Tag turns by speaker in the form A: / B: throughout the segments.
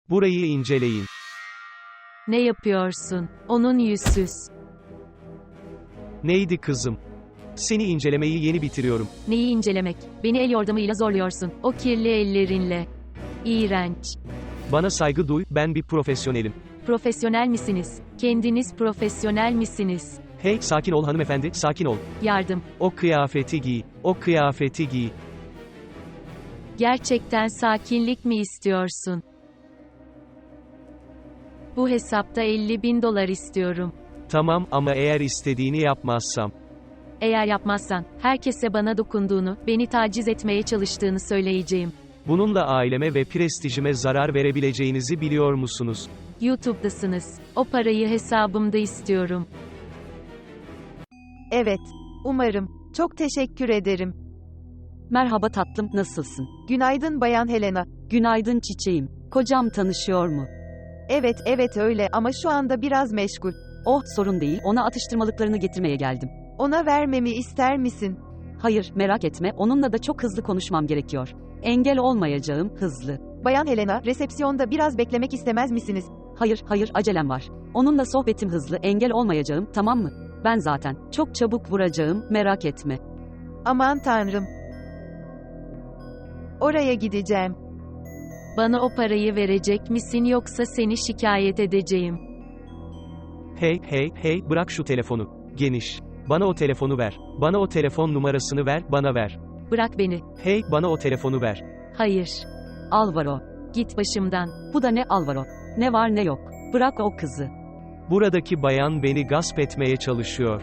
A: Burayı inceleyin.
B: Ne yapıyorsun? Onun yüzsüz.
A: Neydi kızım? Seni incelemeyi yeni bitiriyorum.
B: Neyi incelemek? Beni el yordamıyla zorluyorsun. O kirli ellerinle. İğrenç.
A: Bana saygı duy, ben bir profesyonelim.
B: Profesyonel misiniz? Kendiniz profesyonel misiniz?
A: Hey, sakin ol hanımefendi, sakin ol.
B: Yardım.
A: O kıyafeti giy, o kıyafeti giy.
B: Gerçekten sakinlik mi istiyorsun? Bu hesapta 50.000 dolar istiyorum.
A: Tamam ama eğer istediğini yapmazsam.
B: Eğer yapmazsan, herkese bana dokunduğunu, beni taciz etmeye çalıştığını söyleyeceğim.
A: Bununla aileme ve prestijime zarar verebileceğinizi biliyor musunuz?
B: YouTube'dasınız. O parayı hesabımda istiyorum.
C: Evet. Umarım. Çok teşekkür ederim.
D: Merhaba tatlım, nasılsın?
C: Günaydın Bayan Helena.
D: Günaydın çiçeğim. Kocam tanışıyor mu?
C: Evet öyle ama şu anda biraz meşgul.
D: Oh, sorun değil, ona atıştırmalıklarını getirmeye geldim.
C: Ona vermemi ister misin?
D: Hayır, merak etme, onunla da çok hızlı konuşmam gerekiyor. Engel olmayacağım, hızlı.
C: Bayan Helena, resepsiyonda biraz beklemek istemez misiniz?
D: Hayır, acelem var. Onunla sohbetim hızlı, engel olmayacağım, tamam mı? Ben zaten çok çabuk vuracağım, merak etme.
C: Aman tanrım. Oraya gideceğim.
B: Bana o parayı verecek misin yoksa seni şikayet edeceğim.
A: Hey, bırak şu telefonu. Geniş. Bana o telefonu ver. Bana o telefon numarasını ver, bana ver.
B: Bırak beni.
A: Hey, bana o telefonu ver.
B: Hayır.
D: Alvaro.
B: Git başımdan.
D: Bu da ne Alvaro? Ne var ne yok. Bırak o kızı.
A: Buradaki bayan beni gasp etmeye çalışıyor.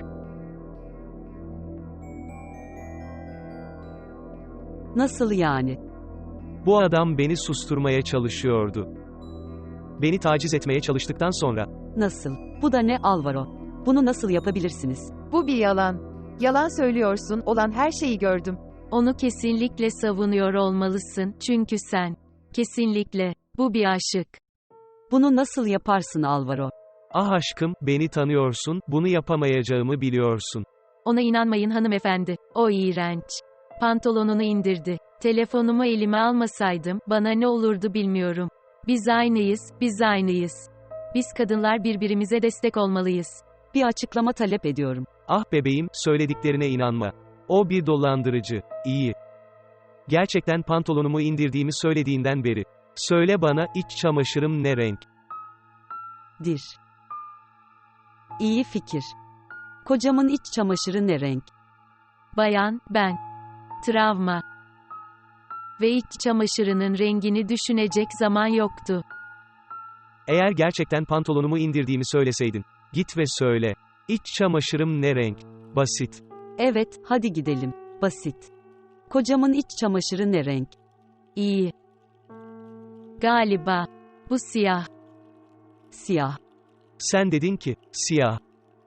D: Nasıl yani?
A: Bu adam beni susturmaya çalışıyordu. Beni taciz etmeye çalıştıktan sonra.
D: Nasıl? Bu da ne Alvaro? Bunu nasıl yapabilirsiniz?
C: Bu bir yalan. Yalan söylüyorsun, olan her şeyi gördüm.
B: Onu kesinlikle savunuyor olmalısın çünkü sen. Kesinlikle. Bu bir aşık.
D: Bunu nasıl yaparsın Alvaro?
A: Ah aşkım, beni tanıyorsun, bunu yapamayacağımı biliyorsun.
B: Ona inanmayın hanımefendi. O iğrenç. Pantolonunu indirdi. Telefonumu elime almasaydım, bana ne olurdu bilmiyorum. Biz aynıyız. Biz kadınlar birbirimize destek olmalıyız.
D: Bir açıklama talep ediyorum.
A: Ah bebeğim, söylediklerine inanma. O bir dolandırıcı. İyi. Gerçekten pantolonumu indirdiğimi söylediğinden beri. Söyle bana, iç çamaşırım ne renk?
D: Dir. İyi fikir. Kocamın iç çamaşırı ne renk?
B: Bayan, ben. Travma. Ve iç çamaşırının rengini düşünecek zaman yoktu.
A: Eğer gerçekten pantolonumu indirdiğimi söyleseydin. Git ve söyle. İç çamaşırım ne renk? Basit.
D: Evet, hadi gidelim. Basit. Kocamın iç çamaşırı ne renk?
B: İyi. Galiba. Bu siyah.
D: Siyah.
A: Sen dedin ki, siyah.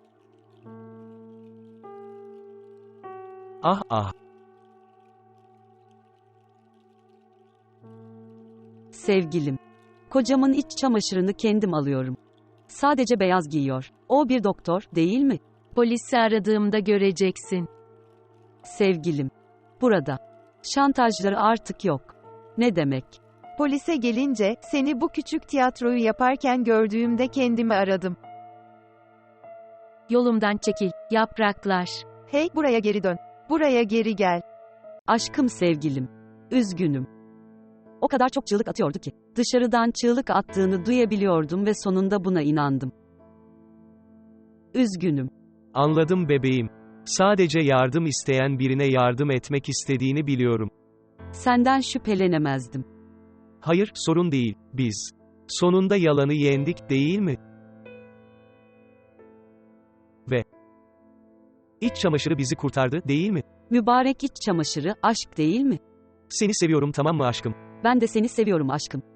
A: Ah.
D: Sevgilim. Kocamın iç çamaşırını kendim alıyorum. Sadece beyaz giyiyor. O bir doktor, değil mi?
B: Polisi aradığımda göreceksin.
D: Sevgilim. Burada. Şantajları artık yok. Ne demek?
C: Polise gelince, seni bu küçük tiyatroyu yaparken gördüğümde kendimi aradım.
B: Yolumdan çekil, yapraklar.
C: Hey, buraya geri dön. Buraya geri gel.
D: Aşkım sevgilim. Üzgünüm. O kadar çok çığlık atıyordu ki, dışarıdan çığlık attığını duyabiliyordum ve sonunda buna inandım. Üzgünüm.
A: Anladım bebeğim. Sadece yardım isteyen birine yardım etmek istediğini biliyorum.
D: Senden şüphelenemezdim.
A: Hayır, sorun değil, biz. Sonunda yalanı yendik, değil mi? Ve iç çamaşırı bizi kurtardı, değil mi?
D: Mübarek iç çamaşırı, aşk değil mi?
A: Seni seviyorum, tamam mı aşkım?
D: Ben de seni seviyorum aşkım.